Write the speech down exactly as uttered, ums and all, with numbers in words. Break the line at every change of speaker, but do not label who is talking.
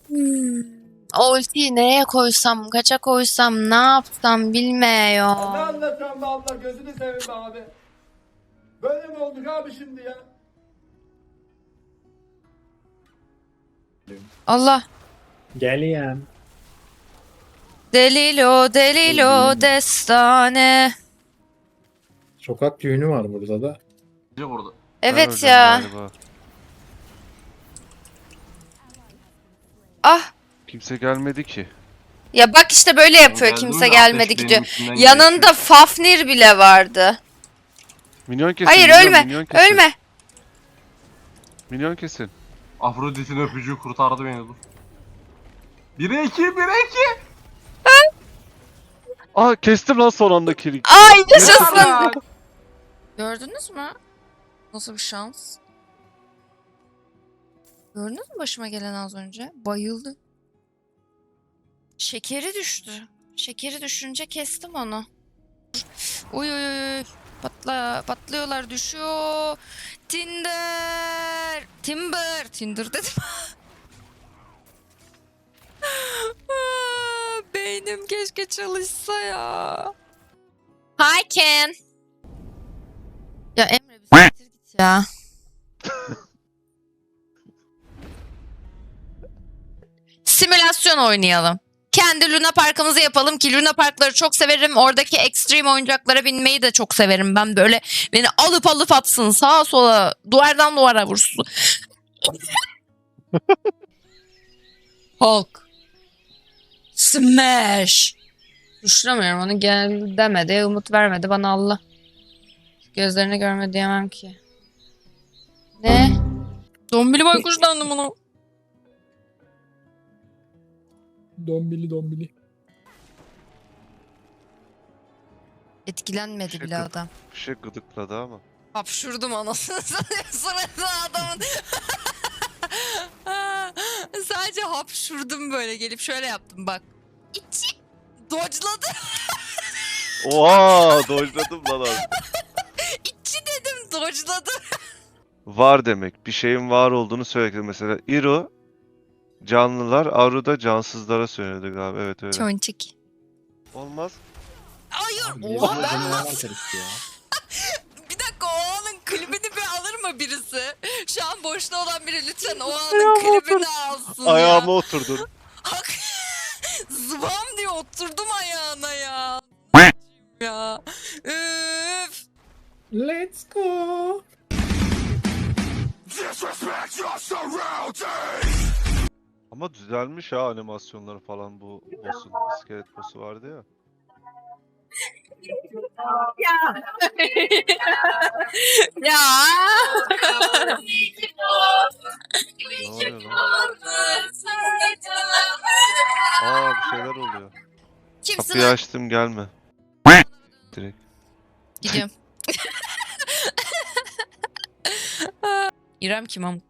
Hmm. O ultiyi neye koysam, kaça koysam, ne yapsam
Ne
bilmiyorum.
anlatıyorsun be abla, gözünü seveyim be abi. Böyle mi olduk abi şimdi ya?
Allah.
Geliyorum.
Delilo, delilo, destane.
Sokak düğünü var burada da.
Burada.
Ben
Evet
öleceğim
ya.
galiba.
Ah.
Kimse gelmedi ki.
Ya bak işte böyle yapıyor.
geldim
Kimse
de
gelmedi
ateş
gidiyor.
benim içimden
Yanında
geçiyor.
Fafnir bile vardı.
Minyon kesin.
Hayır
minyon,
ölme.
minyon kesin.
Ölme.
Minyon kesin.
Afrodit'in öpücüğü kurtardı beni dur. bire iki, bire iki.
Aa kestim lan son anda kili.
Ay yaşasın.
Yaşasın.
Gördünüz mü? Nasıl bir şans? Gördünüz mü başıma gelen az önce? Bayıldı. Şekeri düştü. Şekeri düşünce kestim onu. Uy uy uy. Patla, patlıyorlar, düşüyor. Tinder. Timber. Tinder dedim. Aa, beynim keşke çalışsa ya. Hi Ken. Ya Emre bir siktir git ya. Simülasyon oynayalım. Kendi Luna Park'ımızı yapalım ki Luna Park'ları çok severim. Oradaki extreme oyuncaklara binmeyi de çok severim. Ben böyle beni alıp alıp atsın sağa sola duvardan duvara vursun. Hulk. Smash. Düşünemiyorum onu gel demedi. Umut vermedi bana Allah. Gözlerini görme diyemem ki. Ne? Dombili baykuşlandım bunu.
Dombili dombili.
Etkilenmedi
Şey
bile
gıd-
adam.
Bir şey gıdıkladı ama.
Hapşurdum anasını sırada adamın. Sadece hapşurdum böyle gelip şöyle yaptım bak. İçi dodge'ladı.
Oha dojladım lan abi.
İçi dedim dodge'ladı.
Var demek. Bir şeyin var olduğunu söyledi. Mesela Iro canlılar, Aru da cansızlara söyledi galiba. Evet öyle.
Çonçik.
Olmaz.
Hayır.
Niye
Oha
böyle
ben
cümleler
nasıl?
karıştı ya?
Bir dakika o anın klibini bir alır mı birisi? Şu an boşta olan biri lütfen o anın klibini alsın ya.
Ayağıma oturdun.
Hak. Zıvam diye oturdum ayağına ya. ya. Üf.
Let's go.
Ama düzelmiş ha animasyonları falan bu boss'un. İskelet boss'u vardı ya.
Ya.
Ne oluyor lan? Aa bir şeyler oluyor.
Kimsin
Kapıyı
lan?
açtım gelme. Direkt.
Gidiyorum. İrem kim amk?